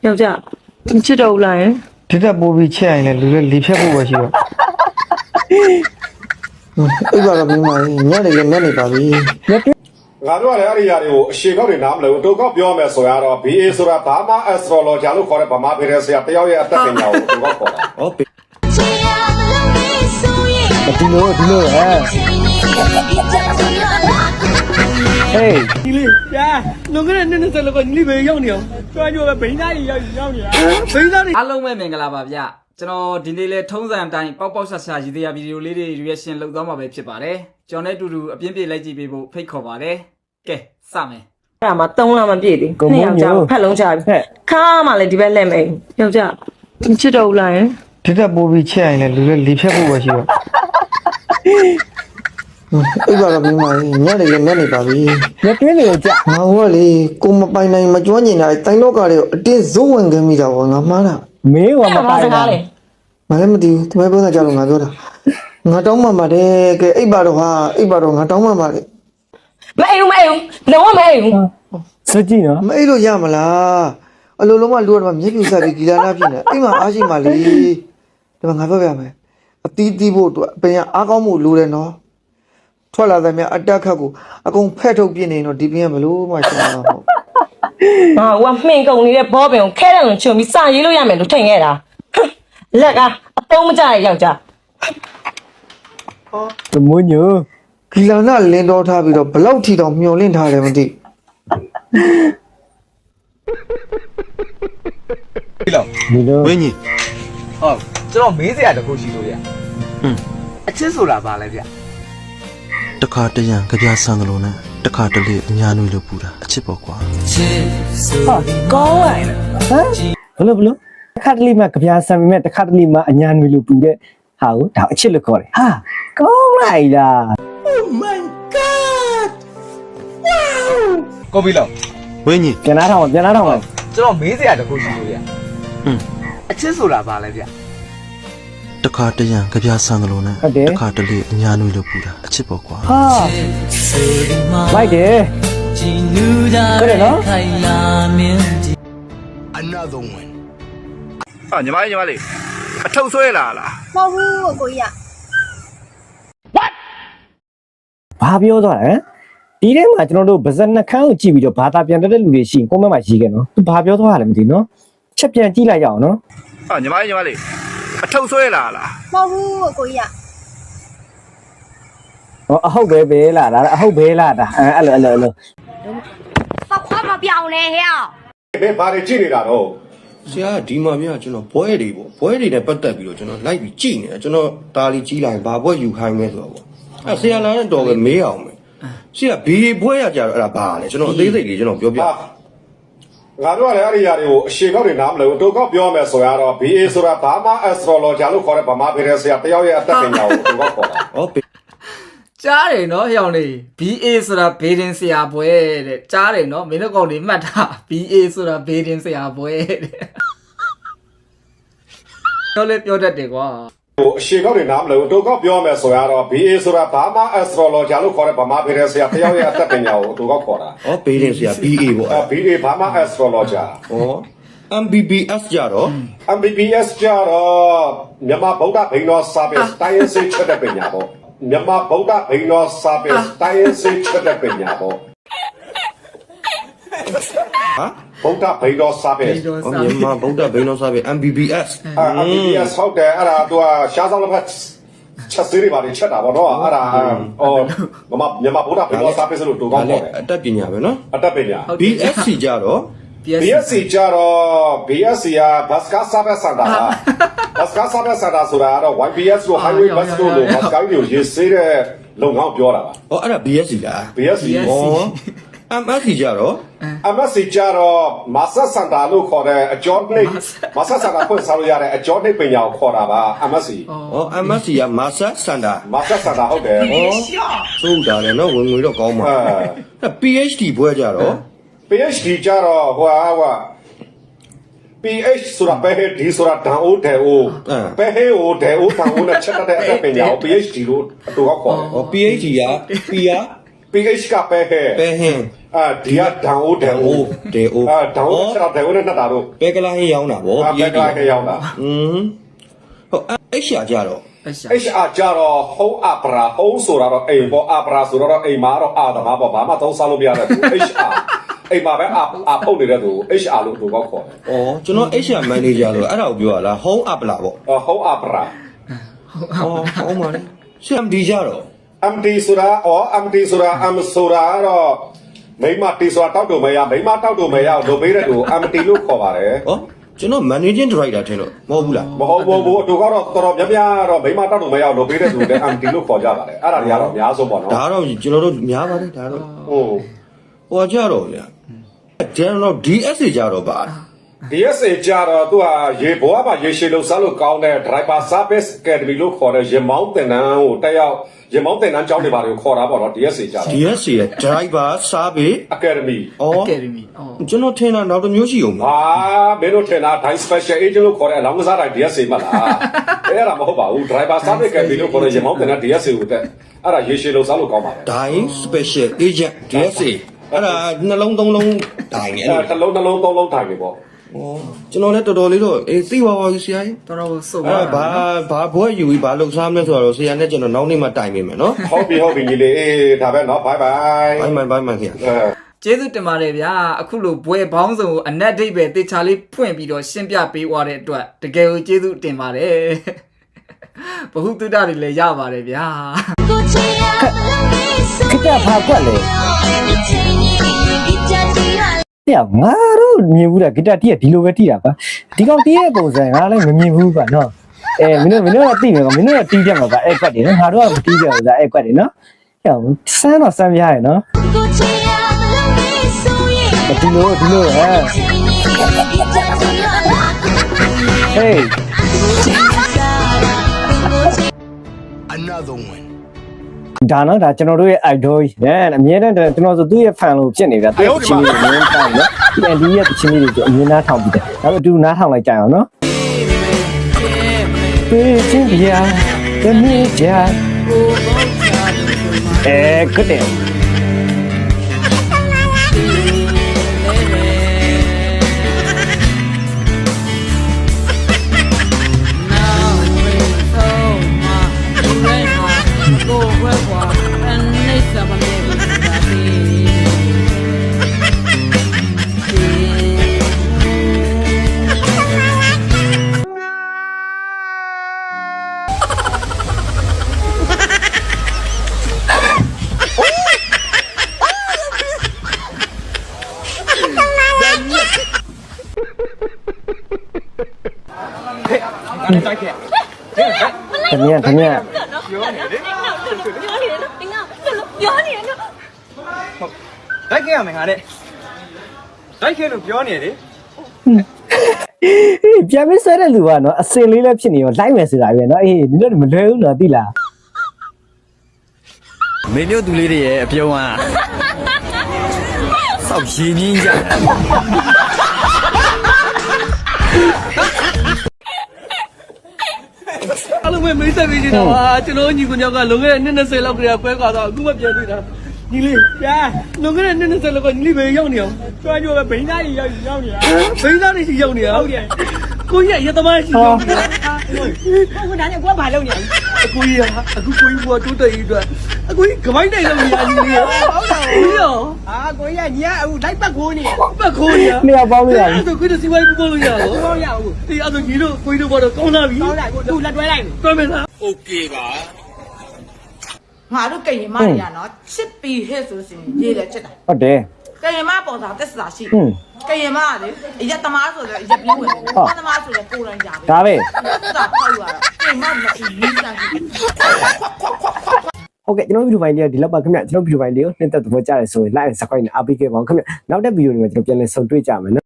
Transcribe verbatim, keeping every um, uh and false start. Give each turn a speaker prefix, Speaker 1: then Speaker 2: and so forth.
Speaker 1: ယောက်ျားချစ်တော့လားယင်ဒီတက်ပိုးပြီးချက်ရင်လည်းလူတွေလေဖြတ်ဖို့ပဲရှိတော့အဲ့ဒါကမင်းမညနေလည်းညနေပါပြီ
Speaker 2: ငါတို့ကလည်းအဲ့ဒီຢာတွေကိုအရှိကောက်တွေနားမလို့အတူကောက်ပြောမယ်ဆိုရတော့ B A ဆိုတာဘာမှ astrology လို့ခေါ်တဲ့ဗမာပြည်ရဲ့ဆရာတယောက်ရဲ့အသက်ပညာကိုသူကခေါ်တာဟုတ်ပြီ
Speaker 1: ဒီလိုဒီလိုဟဲ့ဟေးဒီလေးညာလုံခဲ့တဲ့နေ့နေ့ဆက်လောက်ကညီလေးပဲရောက်နေအောင်ကြွားကြွားပဲဘိန်းသားကြီးရောက်ရောက်နေတာဘိန်းသားတွေ
Speaker 3: အားလုံးပဲမင်္ဂလာပါဗျကျွန်တော်ဒီနေ့လဲထုံးစံအတိုင်းပေါက်ပေါက်ဆဆရည်သေးရဗီဒီယိုလေးတွေ reaction လုပ်သွားမှာပဲဖြစ်ပါတယ်ကျွန်တော်နဲ့အတူတူအပြင်းပြေလိုက်ကြည့်ပေးဖို့ဖိတ်ခေါ်ပါတယ်ကဲစမယ်
Speaker 1: အဲ့ဒါမှသုံးလမပြည့်သေးနှစ်ယောက်ျားဖက်လုံးချပြီခါမှလည်းဒီဘက်လက်မယ်ယောက်ျားချစ်တော့လားယင်ဒီတက်ပိုးပြီးချက်ရင်လည်းလူတွေလေဖြတ်ဖို့ပဲရှိတော့အဲ့ဒါကမင်းမညနေလည်းညနေပါပြီညတွင်းနေကြငါဟောလေကိုမပိုင်နိုင်မကျွမ်းကျင်တာတိုင်းလောကတွေကိုအတင်းဇုံဝင်ခဲ့မိတာပေါ့ငါမှားတာမင်းကမပိုင်တာမလည်းမသိဘူးဒီဘက်ပြောတာကြောက်လို့ငါပြောတာငါတောင်းမှမှာတယ်ကဲအိပ်ပါတော့ဟာအိပ်ပါတော့ငါတောင်းမှမှာလေမအိမ်မအိမ်လုံးဝမအိမ်စကြည့်နော်မအိမ်လို့ရမလားအလိုလုံးမလူကတော့မျက်ပြူဆက်ပြီးဂီလာနာဖြစ်နေအိမ်မှာအားရှိမှလေဒီမှာငါပြောပြမယ်အတီးတီးဖို့အတွက်အပင်ကအားကောင်းမှုလိုတယ်နော်ထွက်လာတဲ့မြအတက်ခတ်ကိုအကုန်ဖက်ထုတ်ပြနေတော့ဒီပင်ကဘလို့မှရှင်းမှာမဟုတ်ဟာဟိုကမှင်ကုန်နေတဲ့ဘောပင်ကိုခဲတယ်လို့ချုံပြီးစရေးလို့ရမယ်လို့ထင်ခဲ့တာလက်ကအတုံးမကြရယောက်ျားဟောမွညဂီလာနာလင်းတော်ထားပြီးတော့ဘလောက်ထီတောင်မျောလင့်ထားတယ်မသိ
Speaker 4: ဒီလောက်ဝင်းကြီးဟုတ်ကျွန်တော်မေးစရာတခုရှိလို့ရဟွန်းအချစ်ဆိုတာဘာလဲဗျ
Speaker 5: တခါတရံကြပြဆန်းကလေးနဲ့တခါတလေအညာနွေလို့ပူတာအချစ်ပေါ့ကွာ
Speaker 1: ဟာကောင်းလိုက်ဟမ်ဘလို့ဘလို့တခါတလေမှကြပြဆန်းပေမဲ့တခါတလေမှအညာနွေလို့ပူတဲ့ဟာကိုဒါအချစ်လို့ခေါ်တယ်ဟာကောင်းလိုက်လား Oh my god
Speaker 4: wow ကိုပြီလောက်
Speaker 5: ဝင်းကြီး
Speaker 1: ပြန်လာထောင်းပြန်လာထောင်းပါ
Speaker 4: ကျွန်တော်မေးစရာတခုရှိလို့ရဟွန်းအချစ်ဆိုတာဘာလဲဗျ
Speaker 5: တခါတရံကြပြဆန်းကလေးနဲ့တခါတလေအညာနွေလို့ပူတာအချစ်ပေါ့ကွာ
Speaker 1: ဟာလိုက်တယ်ကဲနော်
Speaker 4: another one ဟာညီမလေးညီမလေးအထုပ်ဆွဲလာလား
Speaker 6: မဟုတ်ဘူးကိုကြီးက
Speaker 1: what ဘာပြောသွားလဲဒီထဲမှာကျွန်တော်တို့ဗဇက်နှခမ်းကိုကြည့်ပြီးတော့ဘာသာပြန်တဲ့လူတွေရှိရင်ကွန်မန့်မှာရေးခဲ့နော်သူဘာပြောသွားလဲမသိနော်ချက်ပြန်ကြည့်လိုက်ရအောင်နော်
Speaker 4: ဟာညီမလေးညီမလေးအထုပ်ဆွဲလာလား
Speaker 6: မဟုတ်ဘူးကိုကြီးက
Speaker 1: ဟောအဟုတ်ပဲပဲလားဒါအဟုတ်ပဲလားဒါအဲ့လိုအဲ့လိုအဲ့လို
Speaker 6: ဘာခွာမပြောင်းလဲဟဲ့
Speaker 2: ဘယ်ဘာတွေကြည့်နေတာတော့
Speaker 7: ဆရာဒီမှာမြကျွန်တော်ဘွဲတွေပေါ့ဘွဲတွေနဲ့ပတ်သက်ပြီးတော့ကျွန်တော်လိုက်ပြီးကြည့်နေတာကျွန်တော်တာလီကြီးလိုက်ဘာဘွဲယူခိုင်းမဲဆိုတော့ပေါ့အဲဆရာလာတဲ့တော်ပဲမေးအောင်မယ်ဆရာဘီဘွဲရကြတော့အဲ့ဒါဘာလဲကျွန်တော်အသေးစိတ်လေးကျွန်တော်ပြောပြ
Speaker 2: ငါတို့ကလည်းအဲ့ဒီຢာတွေကိုအရှိကောက်တွေနားမလို့အတူကောက်ပြောမယ်ဆိုရတော့ B A ဆိုတာဘာမှ astrology လို့ခေါ်တဲ့ဗမာပြည်ရဲ့ဆရာတယောက်ရဲ့အသက်ပညာကိုသူကခေါ်တာ
Speaker 7: ဟုတ်
Speaker 3: ကြားတယ်နော်ဟျောင်းလေး B A ဆိုတာဘေးတင်ဆရာပွဲတဲ့ကြားတယ်နော်မင်းတို့ကောင်တွေမှတ်တာ B A ဆိုတာဘေးတင်ဆရာပွဲတဲ့တော့လေပြောတတ်တယ်ကွာ
Speaker 2: ဟိုအရှိကောက်တွေနားမလို့အတူကောက်ပြောမယ်ဆိုရတော့ B A ဆိုတာဘာမှ astrology လို့ခေါ်တဲ့ဗမာပြည်ရဲ့ဆရာတယောက်ရဲ့အသက်ပညာကိုသူကခေါ်တာ
Speaker 7: ဟောဘေးတင်ဆရာ B A ပေါ့
Speaker 2: အဲ B A ဘာမှ astrology
Speaker 7: ဟောM B B S ကြတော့
Speaker 2: M B B S ကြတော့မြန်မာဗုဒ္ဓဘိန်းတော်စာပေတိုင်းရင်းစိတ်ချက်တဲ့ပညာပေါ့မြန်မာဗုဒ္ဓဘိန်းတော်စာပေတိုင်းရင်းစိတ်ချက်တဲ့ပညာပေါ့ဟာဗုဒ္ဓဘိန်းတော်စာပေ
Speaker 7: မြန်မာဗုဒ္ဓဘိန်းတော်စာပေ M B B S
Speaker 2: M B B S ဟုတ်တယ်အဲ့ဒါသူကရှားဆောင်တစ်ဖက်ချက်စေးတွေပါနေချက်တာပေါ့နော်အဲ့ဒါဟောမြန်မာမြန်မာဗုဒ္ဓဘိန်းတော်စာပေဆိုလို့တူကောင်းပေါ့
Speaker 7: အတတ်ပညာပဲနော်
Speaker 2: အတတ်ပညာ
Speaker 7: B S C ကြတော့
Speaker 2: B S C ကြတော့ B S C ကဘတ်စကားစာပေစတာဘတ်စကားစာပေစတာဆိုတာတော့ Y B S လို့ Highway Bus လို့ဘတ်စကားတွေကိုရေးစေးတဲ့လုပ်ငန်းပြောတာပါ
Speaker 7: ဟောအဲ့ဒါ B S C လား
Speaker 2: B S C
Speaker 7: ဟော M S C ကြတော့
Speaker 2: M S C ကြတော့မာဆတ်စန်တာလို့ခေါ်တဲ့အကျော်နှိပ်မာဆတ်စန်တာဖွင့်စားလို့ရတဲ့အကျော်နှိပ်ပညာကိုခေါ်တာပါ M S C
Speaker 7: ဟော M S C ကမာဆတ်စန်တာ
Speaker 2: မာဆတ်စန်တာဟုတ်တယ်ဟော
Speaker 7: သုံးတာလည်းနော်ဝင်ငွေတော့ကောင်းပါအဲ P H D ဘွဲကြတော့
Speaker 2: P H D ကြတော့ဟိုဟာ P H ဆိုတာပဲ D ဆိုတာတန်အိုးတယ်အိုးပဲဟဲအိုးတယ်အိုးတန်အိုးနဲ့ချက်တဲ့အတက်ပညာကို P H D လို့အတူကခေါ်တယ်
Speaker 7: ဟော P H D က P က
Speaker 2: P H ကပဲဟဲ
Speaker 7: ပဲဟင်း
Speaker 2: အာဒီကဒေါန်အိုဒေါန်အို
Speaker 7: ဒေအို
Speaker 2: အာဒေါန်အိုဆက်တော့ဒေါန်အိုနဲ့နှစ်တာတို့
Speaker 7: ဘယ်ကလာဟင်းရောင်းတာဗော
Speaker 2: အာဘက်ကလာရောက်တာ
Speaker 7: อืมဟုတ်အဲ့ရှာကြတော့
Speaker 3: အဲ့ရှာ
Speaker 2: H R ကြတော့ home opera home ဆိုတာတော့အိမ်ပေါ့ opera ဆိုတော့အိမ်မှာတော့အာသမားပေါ့ဘာမှသုံးစားလို့မရတဲ့သူ H R အိမ်မှာပဲအာအာပုတ်နေတဲ့သူ H R လို့သူကောက်ခေါ်တယ်
Speaker 7: ဩကျွန်တော် H R manager လို့အဲ့ဒါကိုပြောရလား home up လားဗော
Speaker 2: အော် home opera
Speaker 7: ဩဟုတ်ပါလေ C M D ကြတော့
Speaker 2: M D ဆိုတာအော် M D ဆိုတာ M ဆိုတာတော့မိမတီဆိုတာတောက်တူမရမိမတောက်တူမရလုပ်ပေးတဲ့သူ M D လို့ခေါ်ပါတယ်
Speaker 7: ဩကျွန်တော် managing director ထင်လို့မဟုတ်ဘူးလား
Speaker 2: မဟုတ်ဘူးဘူးသူကတော့တော်တော်များများတော့မိမတောက်တူမရလုပ်ပေးတဲ့သူလည်း M D လို့ခေါ်ကြပါတယ်အဲ့ဒါတွေကတော့အများဆုံးပေါ့နော်
Speaker 7: ဒါတော့ကျွန်တော်တို့များပါတယ်ဒါတော့
Speaker 2: ဟုတ်
Speaker 7: ဟိုကြတော့ဗျာကျွန်တော် D S A ကြတော့ပါ
Speaker 2: D S A ကြတော့သူဟာရေဘွားပါရေရှည်လို့စားလို့ကောင်းတဲ့ driver service academy လို့ခေါ်တဲ့ရေမောင်းတင်တန်းကိုတက်ရောက်ရေမောင်းတင်တန်းကျောင်းတွေပါတွေကိုခေါ်တာပေါ့နော် D S A ကြတော့
Speaker 7: D S A ရဲ့ driver service
Speaker 2: academy
Speaker 7: ဩ
Speaker 3: Academy အော်
Speaker 7: ကျွန်တော်ထင်တာနောက်တစ်မျိုးရှိအောင်ပါ
Speaker 2: ဟာမင်းတို့ထင်တာ Dai special agent လို့ခေါ်တဲ့အလောင်းကစားတိုင်း D S A မှလားအဲ့ဒါမဟုတ်ပါဘူး driver service academy လို့ခေါ်တဲ့ရေမောင်းတင်တန်း D S A ကိုတက်အဲ့ဒါရေရှည်လို့စားလို့ကောင်းပါတယ်
Speaker 7: ဒိုင်း special agent D S A အဲ့ဒါနှလုံးသုံးလုံးဒိုင်းနေအဲ့
Speaker 2: အဲ့
Speaker 7: လို
Speaker 2: တစ်လုံးတစ်လုံးသုံးလုံးထိုင်နေပေါ့
Speaker 7: ဩကျွန်တော်လည်းတော်တော်လေးတော့အေးသိပါပါဘူးဆရာကြီး
Speaker 3: တော်တော်စုံ
Speaker 7: အဲ့ဘာဘာဘွဲယူပြီးဘာလှုပ်ရှားမလဲဆိုတော့ဆရာနဲ့ကျွန်တော်နောက်နေ့မှတိုင်ပေးမယ်နော်
Speaker 2: ဟုတ်ပြီဟုတ်ပြီညီလေးအေးဒါပဲနော် bye bye
Speaker 7: ဘိုင်းမိုင်ဘိုင်းမိုင်ဆရာ
Speaker 2: အဲ
Speaker 3: ကျေးဇူးတင်ပါတယ်ဗျာအခုလိုဘွဲဘောင်းစုံကိုအနက်ဒိတ်ပဲတေချာလေးဖွင့်ပြီးတော့ရှင်းပြပေးသွားတဲ့အတွက်တကယ်ကိုကျေးဇူးတင်ပါတယ်ဘဟုတုဒ္ဒတွေလည်းရပါတယ်ဗျာ
Speaker 4: ခကြဖာကွက်လေတဲ့ငါတို့မြင်ဘူးလားဂီတတီးကဒီလိုပဲတီးတာပါဒီကောင်တီးတဲ့ပုံစံငါလည်းမမြင်ဘူးပါနော်အဲမင်းတို့မင်းတို့ကတီးမယ်ကောင်မင်းတို့ကတီးကြမှာပါအဲ့ကွက်တွေနော်ငါတို့ကမတီးကြဘူးလားအဲ့ကွက်တွေနော်ဟဲ့ဆန်းတော့ဆန်းပြရတယ်နော်ဒီလိုဒီလိုဟဲ့ Hey
Speaker 8: Another one
Speaker 4: ဒါနော်ဒါကျွန်တော်တို့ရဲ့ idol ကြီးအဲအမြဲတမ်းကျွန်တော်ဆိုသူ့ရဲ့ fan လို့ဖြစ်နေတာသူ့ရဲ့ချင်းလေးကိုမြင်တိုင်းနော်ဒီ Andy ရဲ့ချင်းလေးကိုအမြင်နားထောင်ပြီးတယ်ဒါပေမဲ့အတူနားထောင်လိုက်ကြအောင်နော်ပေးချင်းပြာတမီးကြအဲကတဲ့ တမီးတမီး
Speaker 6: ပြောနေတယ်နော်
Speaker 4: တိုက်ခဲ့ရမယ်ငါတဲ့တိုက်ခဲ့လို့ပြောနေတယ်ပြန်မဆွဲတဲ့လူကနော်အစင်လေးလည်းဖြစ်နေရောလိုက်မယ်ဆိုတာပဲနော်အေးဒီလိုမလွယ်ဘူးနော်သိလားမင်းတို့သူလေးတွေရဲ့အပြုံးอ่ะစောက်ရင်းကြီးကြ
Speaker 9: အားလုံးပဲမိတ်ဆက်ပေးနေတာပါကျွန်တော်ညီကိုညောက်ကလွန်ခဲ့တဲ့နှစ်၂၀လောက်ကလေးပွဲခွာတော့အခုမှပြန်တွေ့တာညီလေးပြာလွန်ခဲ့တဲ့နှစ်၂၀လောက်ကညီလေးပဲရောက်နေအောင်ကျွမ်းကျွမ်းပဲဘိန်းသားကြီးရောက်ရောက်နေတာဘိန်းသားကြီးရောက်နေတာဟုတ်တယ်ကိုကြီးရသမားရှိရောက်နေတာကိုကဒါနဲ့ကိုကဘာလုပ်နေလဲအကိုကြီးကအခုကိုကြီးကတိုးတက်ရေးအတွက်အကိုကြီးကမိုင်းတိုင်လုပ်နေရညီလေးဟုတ်တယ်ကိုရောအာကိုကြီးကညီကအခုလိုက်ပတ်ခိုးနေပတ်ခိုးနေ
Speaker 4: နေရာပေါင်းလို့ရတယ်
Speaker 9: အဲ့ဒါကိုကြီးစီဝိုင်းပို့လို့ရအောင်ပို့ရအောင်ဒီအဲ့ဒါညီတို့ကိုကြီးတို့ဘောတော့ကောင်းလာပြီကောင်းလာကိုသူလက်တွဲလိုက်တွဲမယ်လား
Speaker 8: Okay ပါ
Speaker 10: ငါတို့ကရင်မတွေရနော်ချစ်ပြီးဟဲ့ဆိုရှင်ရေးတယ်ချစ်တာ
Speaker 4: ဟုတ်တယ်
Speaker 10: ကရင်မပေါ်တာတက်စာရှိ
Speaker 4: ဟွန်း
Speaker 10: ကရင်မကလေအရက်သမားဆိုတော့အရက်ပြင်းဝင်တယ်သမားဆိုတော့ကိုယ်တိုင်ကြပဲ
Speaker 4: ဒါပဲ
Speaker 10: သာဖောက်ရတာကရင်မမရှိဘူးစမ်းကြည့်
Speaker 4: ဟုတ်ကဲ့ကျွန်တော်ဗီဒီယိုပိုင်းလေးဒီလောက်ပါခင်ဗျကျွန်တော်ဗီဒီယိုပိုင်းလေးကိုနှိမ့်သက်သဘောကျတယ်ဆိုရင် like and subscribe နဲ့အားပေးခဲ့ပါဦးခင်ဗျနောက်တဲ့ဗီဒီယိုတွေမှာကျွန်တော်ပြန်လည်ဆုံတွေ့ကြမယ်နော်